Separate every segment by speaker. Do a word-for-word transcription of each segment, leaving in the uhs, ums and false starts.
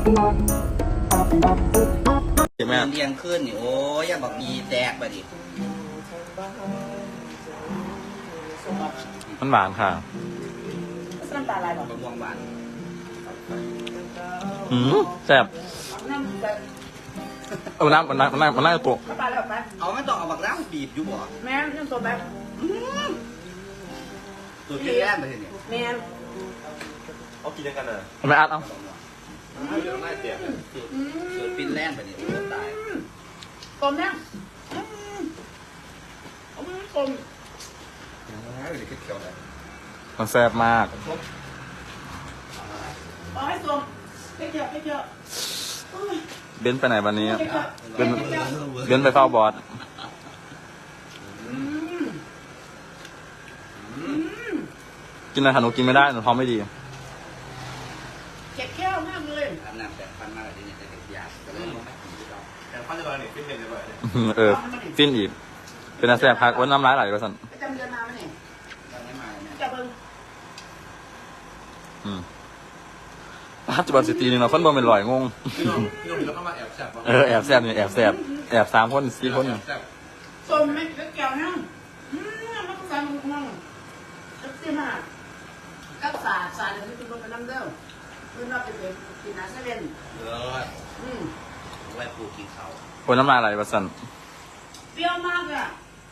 Speaker 1: เห็นไหม
Speaker 2: เรียงขึ้นนี่โอ้ยอย่าบอกมีแตกไปดิ
Speaker 1: มันหวานค่ะ
Speaker 3: น้ำตาลายบอก
Speaker 2: มะม่วงหวาน
Speaker 1: อืมแซ่บ
Speaker 3: น้ำแบบ
Speaker 1: เออน้ำมันน้ำมันน้ำมันน้ำตัว
Speaker 3: น้ำตาลแบบไหม
Speaker 2: เอาไม่ต้องเอาบักน้ำบีบอยู่บ่
Speaker 3: แม่น้ำตัวแบบ
Speaker 2: ตัวที่แรกไปเนี่ย
Speaker 3: แม่
Speaker 4: เอากินกันเลย
Speaker 1: ไม่อัดเอา
Speaker 4: เดี๋ยวน่าเสีย
Speaker 2: สูตรสูตรฟินแลนด์ไปเนี่ยโอ้ตาย
Speaker 3: กลมเนี่ยอืมกลม
Speaker 1: มันแซ่บมาก
Speaker 3: เอาให้กลมให้เจาะให้เจาะ
Speaker 1: เบนไปไหนวันนี้เบนเบนไปเฝ้าบอสกินอะไรหนูกินไม่ได้หนูท้องไม่ดี
Speaker 3: เจ็บแก้วมากเลย
Speaker 2: อาบน้ำแบบพันมากเลยเนี่ยแต่เด็กยากก็เลยไม่กินที่เรา
Speaker 4: แต่ข้าวจะมาเนี่ยฟิตเนสเลย
Speaker 1: เออฟินอีกเป็นอาแซ่บพักวันน้ำร้ายไหลไปสั่น
Speaker 3: จำเดือนมาไหมเนี่ย
Speaker 2: ตอนนี้มาเนี่ย
Speaker 3: จับเบิ้ง
Speaker 1: อืมปัจจุบันสิตีหนึ่งเราคนบ่เป็นลอยงง
Speaker 4: พี่น้องพี่น้องมีแล้วเข้ามาแอบแซ่บ
Speaker 1: เออแอบแซ่บนี่แอบแซ่บแอบสามคนสี่คน
Speaker 4: แซ่บ
Speaker 3: กลมไม่เกี่ยวนะอืมมันก็ใส่มันมั่งจับเสียมากกับสาดสาดเดี๋ยวนี้คุณลงไปน้ำเด้อเพื่อนเราไปเป็นกินน้ำเซเว่น
Speaker 2: เลิศ
Speaker 3: อืม
Speaker 2: ไว้ปลูกกินเขา
Speaker 1: คนน้ำลายไหลไปสั่น
Speaker 3: เปรี้ยวมากเลยอะ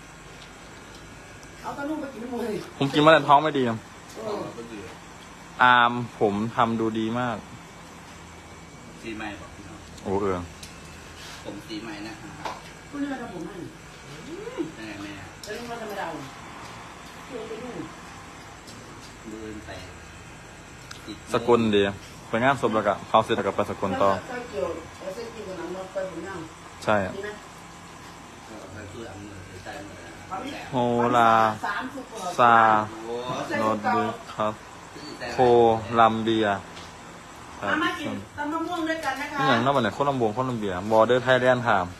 Speaker 3: เอาตะลุ่มไปกินหมดเลย
Speaker 1: ผมกินมาแต่ท้องไม่ดี
Speaker 3: เออ
Speaker 2: ก็คือ
Speaker 1: อามผมทำดูดีมาก
Speaker 2: สีใหม่บอกพี่น้อง
Speaker 1: โอ้เออ
Speaker 2: ผมสีใหม่นะ
Speaker 3: คุณนี่มาทำผมให้
Speaker 2: แม่แม่
Speaker 3: แล้วนี่มาทำไมเราเกี่ยวไปนู่น
Speaker 2: เดินไป
Speaker 1: สกลดีไปงานศพแล้วก็เขาเสร็จแล้วก็ไปสกลต่อ
Speaker 3: ใส่เกี่ยวเอาเส้นกินกับน้ำมันไปผมยัง
Speaker 1: ใช่
Speaker 3: ดีไหม
Speaker 2: ไปคือเอามือใส่มือ
Speaker 1: โฮลา
Speaker 3: สามสิบกว่า
Speaker 1: ซา
Speaker 2: โอ้
Speaker 1: โนดบูครับโคลัมเบีย
Speaker 3: มามากินตำมะม่วงด้วยกันนะคะ
Speaker 1: นี่อย่างนั้นวันไหนโคลัมโบโคลัมเบียบอร์เดอร์ไทยแลนด์ถาม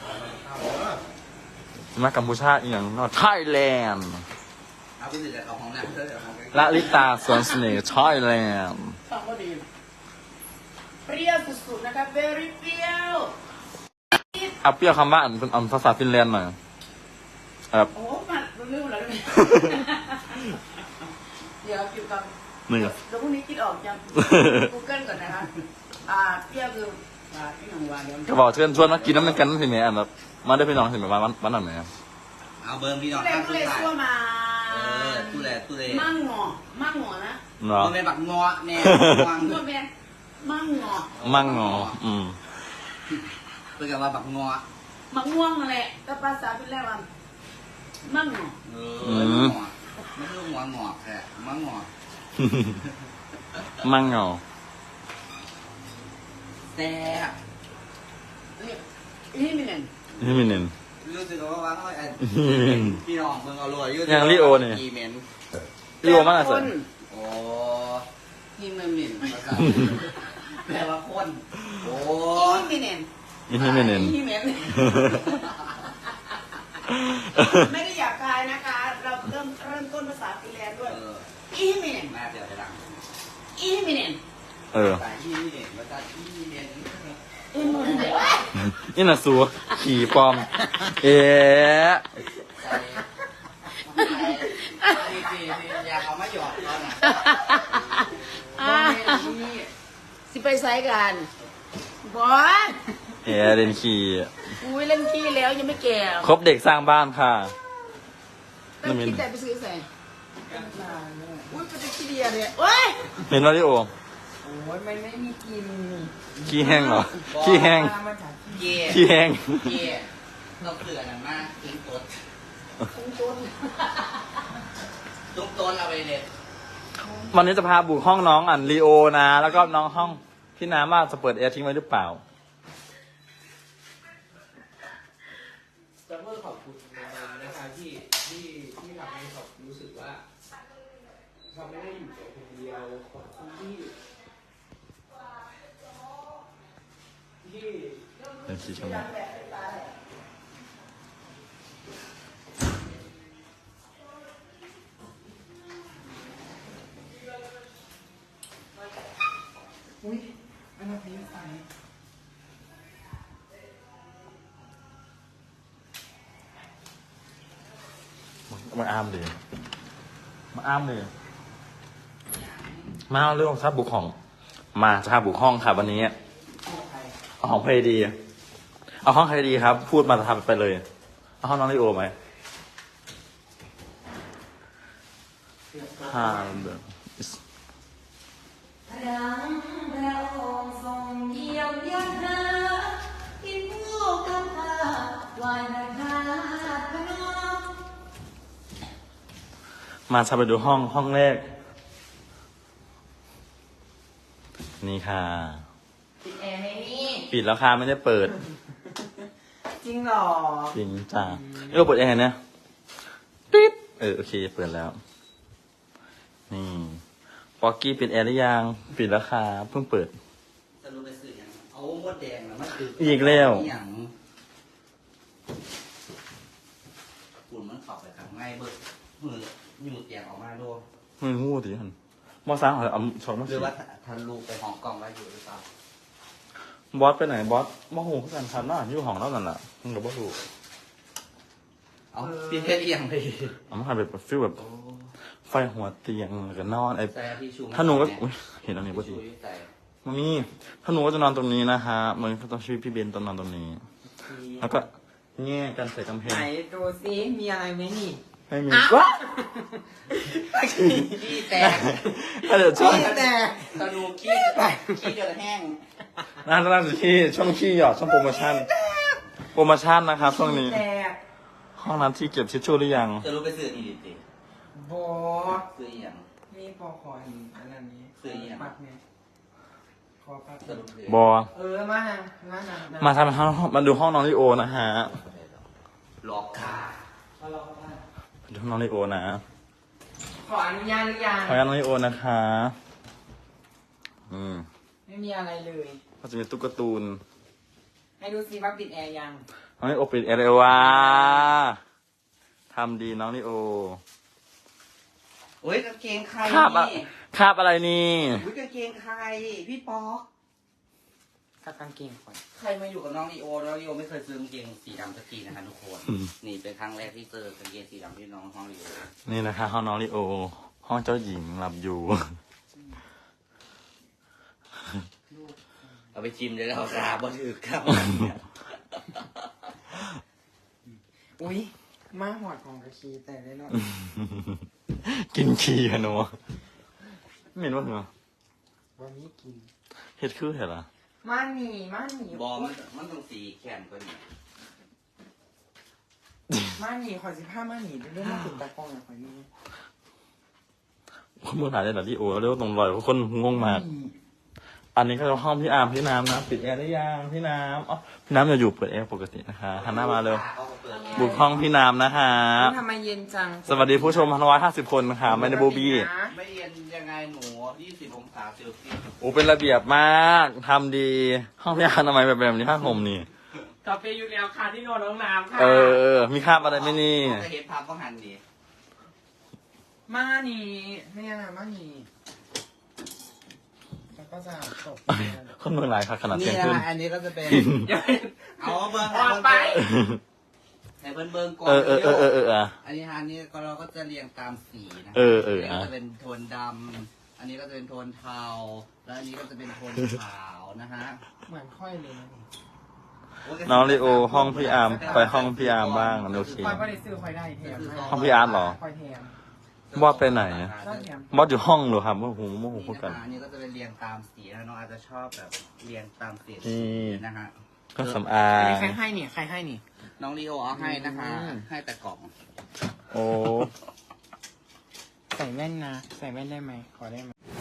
Speaker 1: มากัมพูชาอีกอย่างนอไทยแลนด์
Speaker 2: เอาไปสิจะเอาของน้ำเถอะเอาของ
Speaker 1: ละลิตาสวนเสน่ห์ไทยแลนด์
Speaker 3: สองก็ดีเปรี้ยวสุดๆนะคะ very เปรี้ยว
Speaker 1: เอาเปรี้ยวคำว่าอันเป็นอันภาษาฟินแลนด์หน่อยครับ
Speaker 3: โอ้มาลืมแล้วเนี่ยเดี๋ยวกินกับ
Speaker 1: หนึ่ง
Speaker 3: เดี๋ยวพรุ่งนี้คิดออกจะ Google ก่อนนะคะอ่าเปรี้ยวคืออ่าพี่หนุ่มวานเดี๋ยว
Speaker 1: ก็บอกเชิญชวนมากินน้ำมันกันสิแม่อันแบบมาได้พี่น้องสิแม่วันวันนั้นไหนครับ
Speaker 2: เอาเบอร์พี่น้อง
Speaker 3: ตู้เล่
Speaker 2: ข้าง
Speaker 3: ตู้
Speaker 2: สุด
Speaker 3: เล่
Speaker 2: ท้าย
Speaker 3: ซัวมา
Speaker 2: เออตู้แลตู้แล
Speaker 3: มั่งงอมั่งงอนะ
Speaker 1: เนาะ
Speaker 2: มันเป็นบักงอแน่วาง
Speaker 3: งอแม่มั่งงอ
Speaker 1: มั่งงออืม
Speaker 2: เป็นกับว่าบักงอ
Speaker 3: มะม่วงนั่นแหละแต่ภาษาเป็นแล้วว่ามั่งงอ
Speaker 2: เออหงอไม่ใช่หัวงอกแค่มังงอ
Speaker 1: มั่งงอ
Speaker 2: แซ่บ
Speaker 3: นี่นี่มีเน่น
Speaker 1: นี่มีหนึ่ง
Speaker 2: รู้สึกว่าว่าไอ้พี่น้องเบิ่งเอารวย
Speaker 1: อย่างลิโอนี่
Speaker 2: กีเมน
Speaker 1: พี่โอมากเลยสิ
Speaker 2: โอ้ที่มันเหม็นภาษาแปลว่าคนโอ้
Speaker 3: อีมีเน่น
Speaker 1: นี่ไม่เน้น
Speaker 3: อีเมนไม่ได้อยากกายนะคะ เราเริ่มเริ่มต้นภาษาฟินแลนด์ด้วย
Speaker 2: เออ
Speaker 3: อีเมน
Speaker 2: น่าจะไปดัง
Speaker 3: อีเมน
Speaker 1: เออ
Speaker 2: ภาษาที่นี่เนี่ยภาษาที่นี่เนี่ย
Speaker 3: อีเมน
Speaker 1: นี่น่ะสัวขี่ปลอม เอ๊ะ
Speaker 2: ใส่ที่ที่ที่อยากเอามาหยอดตอนน่ะ
Speaker 3: อ่าสิไปไซกันบอส
Speaker 1: เอ๊ะเล่นขี่
Speaker 3: อุ้ยเล่นขี้แล้วยังไม่แก่
Speaker 1: ครบเด็กสร้างบ้านค่ะ
Speaker 3: เล่นขี้แต่ไปซื้อใส่อุ้ยเป็นขี้เดียเลยโอ้ย
Speaker 1: เห็นว่าลิโอ
Speaker 3: โอ้ยมันไม่มีกิน
Speaker 1: ขี้แห้งเหรอ ขี้แห้ง
Speaker 2: เย่
Speaker 1: ขี้แห้ง
Speaker 2: เย่เราเกลือนั่นมากทิ้งตัว
Speaker 3: ตุ้งตุ้น
Speaker 2: ตุ้งต้นเอาไปเลย
Speaker 1: วันนี้จะพาบุกห้องน้องอันลีโอนะ แล้วก็น้องห้องพี่น้ำว่าจะเปิดแอร์ทิ้งไว้หรือเปล่า
Speaker 5: จะเพื่อขอบคุณมานะคะที่ที่ที่ทำให้เขารู้สึกว่าเขาไม่ได้อยู่ตัวคนเดียวขอบคุณที่ที่
Speaker 1: เป็นขี้ชม
Speaker 3: อุ้ย
Speaker 5: อันนั้นพี่ใส่
Speaker 1: มาอ้ามดิมาอ้ามดิมาเอาเรื่องทับบุกห้องมาจะทับบุกห้องค่ะวันนี้เอาห้องเพลดีเอาห้องใครดีครับ พูดมาทำไปเลยเอาห้องน้องลิโอไหมฮ่าเดอ
Speaker 6: ดังพระองค์ทรงเยี่ยมยามหากินผู้กำพร้าวายนาคาพนม
Speaker 1: มาจะไปดูห้องห้องแรกนี่ค่ะ
Speaker 6: ปิดแอร์ไหมนี่
Speaker 1: ปิดแล้วค่ะไม่ได้เปิด
Speaker 6: จริงเหรอ
Speaker 1: จริงจ้าเออเปิดแอร์เนี่ยปิดเออโอเคเปิดแล้วนี่ป๊อกกี้ปิดแอร์หรือยังปิดแล้วค่ะเพิ่งเปิด
Speaker 2: จะรู้ไปซื้ออย่างเอามดแดงนะมันคือ
Speaker 1: อีกแล้ว
Speaker 2: อย่างฝุ่นมันขับไปทางง่ายเบิดมืออยู่เตียงออกมาดู
Speaker 1: มึงงูดิฮันมอสามเหรอเอาสองมา
Speaker 2: ห
Speaker 1: สิ
Speaker 2: รือว่าทันลูกไปห้องกล้องไว้อยู่หรือเปล่า
Speaker 1: บอสไปไหนบอสมอหูเขากันครับน่าอยู่ห้องแล้วนั่นแหละมึงกับบอสดู
Speaker 2: เอาพี่เพชรเอียงไป
Speaker 1: เอามาทำแบบฟิลแบบไฟหัวเตียงแล้วกันนอนไอ้
Speaker 2: ใส่ที่ชู
Speaker 1: ถ้าหนูก็อุ๊ยเห็นอันนี้พอดี
Speaker 2: ชูใส่
Speaker 1: มามีถ้าหนูก็จะนอนตรงนี้นะฮะมึงก็ต้องช่วยพี่เบนตอนนอนตรงนี้ แล้วก็แง่กันใส่กำแพ
Speaker 6: ไหน
Speaker 1: ง
Speaker 6: ดูซิมีอะไรไหมนี่
Speaker 1: ไม่มีว้า
Speaker 2: ขี้แตก
Speaker 1: ถ้าเดี๋ยวช่วง
Speaker 6: แต่
Speaker 2: กระดูกขี้ขี้เดือดแห้ง
Speaker 1: น่าจะน่าจะขี้ช่วงขี้หยอดช่วงโปรโมชั่น โปรโมชั่นนะครับช่วงนี้
Speaker 6: แต่
Speaker 1: ห้องน้ำที่เก็บทิชชู่หรือยัง
Speaker 2: จะรู้ไปซื้ออีดิติ
Speaker 6: โบ
Speaker 2: ซื้ออย่าง
Speaker 6: นี่ปอขอหินอันนั้นนี้
Speaker 2: ซื้ออีกอย่าง
Speaker 6: ปักเนี่ยขอปัก
Speaker 2: จะรู้ไป
Speaker 1: บอ
Speaker 6: เออมาหามาหา
Speaker 1: มาทำห้องมาดูห้องน้องลิโอนะฮะ
Speaker 2: ล็อกขา
Speaker 6: เอาลองมา
Speaker 1: มาดูห้องน้องลิโอนะ
Speaker 6: ขออนุญาตหรือยัง
Speaker 1: ขออนุญาตน้องลิโอนะคะอืม
Speaker 6: ไม่มีอะไรเลย
Speaker 1: ก็จะมีตุ๊กตาตูน
Speaker 6: ให้ดูซิว่าปิดแอร์ยัง
Speaker 1: น้องลิโอปิดแอร์เลยว่าทำดีน้องลิโอ
Speaker 2: โอ้ยกางเกงใคร
Speaker 1: คาบอะ
Speaker 2: นี่
Speaker 1: คาบอะไรนี่
Speaker 2: อุ้ยกางเกงใครพี่ป๊อก
Speaker 6: กับกางเกงก่อน
Speaker 2: ใครมาอยู่กับน้องลีโอน้องลีโอไม่เคยซื้อกางเกงสีดำสักทีนะคะทุกคน
Speaker 1: อืม
Speaker 2: นี่เป็นครั้งแรกที่เจอกางเกงสีดำที่น้องห้องลีโอ
Speaker 1: นี่นะคะห้องน้องลิโอ ห้องเจ้าหญิงหลับอยู่
Speaker 2: เอาไปชิมเลยเอาขาบ่ถือครับ
Speaker 6: อุ้ยมาหอดของกระชีแต่ได้เนาะ
Speaker 1: กินขี้อะหนูไม่เห็นว่าเหรอ
Speaker 6: วันนี้กิน
Speaker 1: เฮ็ดคือเห็นเหรอ
Speaker 6: มาหนีมาหนี
Speaker 2: บอมันมันต้องสีแขนกว่านี้
Speaker 6: มาหนีขอสิบห้ามาหนีเป็นเรื่องมาถึงตากล้องอย่างขอยนี่
Speaker 1: คนเมื่อไหร่ได้หรอลิโอเรียกว่าตรงรอยคนงงมาก อันนี้ก็จะห้องพี่อาร์มพี่น้ำนะปิดแอร์ได้ยังพี่น้ำอ๋อพี่น้ำจะอยู่เปิดแอร์ปกตินะคะหันหน้ามาเร็ว
Speaker 2: เอามาเปิด
Speaker 1: บุกห้องพี่น้ำนะคะ
Speaker 6: ทำไมเย็นจัง
Speaker 1: สวัสดีผู้ชมร้อยห้าสิบคนนะคะไม่ได้บูบี้
Speaker 2: ไม่เย็นยังไงหนูยี่สิบองศาเซลเซียส
Speaker 1: โอ้เป็นระเบียบมากทำดี ห้องพี่อาร์มทำไมแบบแบบนี้ผ้าห่มนี่
Speaker 6: กาแฟอยู่แล้วค่ะที่นอนน้องน้ำค่ะ
Speaker 1: เออเออมีคราบอะไรไหมนี่
Speaker 2: จะเห็นภาพก็หันดี
Speaker 6: มาหนีเนี่ยนะมาหนีแล้วก็จะตก
Speaker 1: คนเมืองหลายค่ะขนาด
Speaker 2: นี่
Speaker 1: เที่ยง
Speaker 2: นะ
Speaker 1: คืน
Speaker 2: อันนี้ก็จะเป็น เอาเบิ้ง
Speaker 6: ออกไป
Speaker 2: ให้เบิ้งเบิ้งก่อน
Speaker 1: เออเออเออเออเอออ่ะ
Speaker 2: อันนี้อันนี้ก็เราก็จะเรียงตามสีนะ
Speaker 1: เออเออ
Speaker 2: อันนี้
Speaker 1: อ่ะ
Speaker 2: ก็จะเป็นโทนดำอันนี้ก็จะเป็นโทนเทาแล้วอันนี้ก็จะเป็นโทนขาวนะฮะ
Speaker 6: เหมือนค่อยเลยนะนี่
Speaker 1: น้องลิโอห้องพี่อาร์มไปห้องพี่อาร์มบ้างโอเค
Speaker 6: ค่อยไม่ได้ซื้อค่อยได้แถมให้
Speaker 1: ห้องพี่อาร์ตเหรอ
Speaker 6: ค่อยแถม
Speaker 1: บอสไปไหน
Speaker 6: ก็แถม
Speaker 1: บอสอยู่ห้องเหรอครับโอ้โหโมโห
Speaker 2: นี่
Speaker 1: พูด
Speaker 2: นะ
Speaker 1: กัน
Speaker 2: คะอันนี้ก็จะเป็นเรียงตามสีนะน้องอาจจะชอบแบบเรียงตามสี
Speaker 1: นี่
Speaker 2: นะฮะ
Speaker 1: ก็สำอา
Speaker 6: อัน
Speaker 1: ง
Speaker 6: นี้ใครให้นี่ใครให้นี่
Speaker 2: น้องลีโอเอาให้นะคะ
Speaker 6: อืม
Speaker 2: ให้แต่กล่อง
Speaker 1: โอ้
Speaker 6: ใส่แว่นนะ ใส่แว่นได้ไหมขอได้ไหม